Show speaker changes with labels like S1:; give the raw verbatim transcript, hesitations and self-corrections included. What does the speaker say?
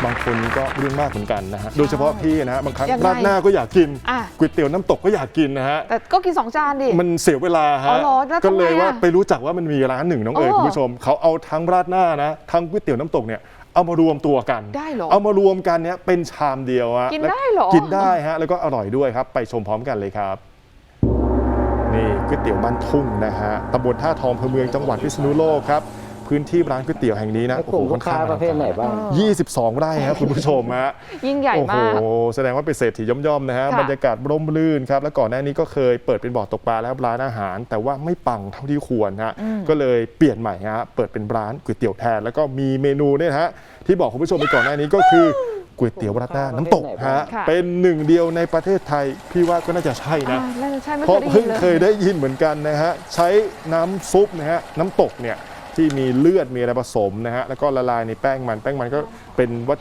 S1: บางคนก็เรื่องมากเหมือนกันนะฮะโดยเฉพาะพี่นะฮะบางครั้ง
S2: ยังไง
S1: ราดหน้าก็อยากกิน
S2: อ่ะ
S1: ก๋วยเตี๋ยวน้ำตกก็อยากกินนะฮะ
S2: แต่ก็กินสองจานดิ
S1: มันเสียเวลา
S2: อ๋
S1: ฮะ
S2: อเหรอแล้ว
S1: ก็
S2: ทำไง
S1: เลยว่า
S2: อะ
S1: ไปรู้จักว่ามันมีร้านหนึ่งน้องเอ๋ย
S2: อ๋อ
S1: คุณผู้ชมเขาเอาทั้งราดหน้านะทั้งก๋วยเตี๋ยวน้ำตกเนี่ยเอามารวมตัวกัน
S2: ได้เหรอ
S1: เอามารวมกันเนี่ยเป็นชามเดียวฮะ
S2: กิน
S1: แล้ว
S2: ได้เหรอ
S1: กินได้ฮะแล้วก็อร่อยด้วยครับไปชมพร้อมกันเลยครับนี่ก๋วยเตี๋ยวบ้านทุ่งนะฮะตำบลท่าทองอำเภอเมืองจังหวัดพิษณุโลกครับพื้นที่ร้านก๋วยเตี๋ยวแห่งนี้นะ
S3: แล้วกลุ่มลูกค้าประเภทไหนบ้าง
S1: ยี่สิบสองไร่ครับคุณผู้ชมฮะ
S2: ยิ่งใหญ่
S1: โอ้โห
S2: มาก
S1: แสดงว่าเป็นเศรษฐีย่อมๆนะฮะ
S2: ค่ะ
S1: บรรยากาศร่มรื่นครับ แล้วก่อนหน้านี้ก็เคยเปิดเป็นบ่อตกปลาแล้วร้านอาหาร แต่ว่าไม่ปังเท่าที่ควรฮะ ก็เลยเปลี่ยนใหม่ฮะ เปิดเป็นร้านก๋วยเตี๋ยวแทน แล้วก็มีเมนูเนี่ยฮะ ที่บอกคุณผู้ชมไปก่อนหน้านี้ก็คือก๋วยเตี๋ยวราดหน้าน้ำตกฮะ
S2: ค่ะ
S1: เป็นหนึ่งเดียวในประเทศไทย พี่ว่าก็น่าจะใช่นะ
S2: อ่าน่าจะใช่ไม่
S1: เพ
S2: เค
S1: ราะ
S2: ยได้ยิ
S1: เพิ่ง
S2: นเลย
S1: เคยได้ยินเหมือนกันนะฮะ ใช้น้ำซุปนะฮะ น้ำตกเนี่ยที่มีเลือดมีอะไรผสมนะฮะ แล้วก็ละลายในแป้งมัน แป้งมันก็เป็นวัต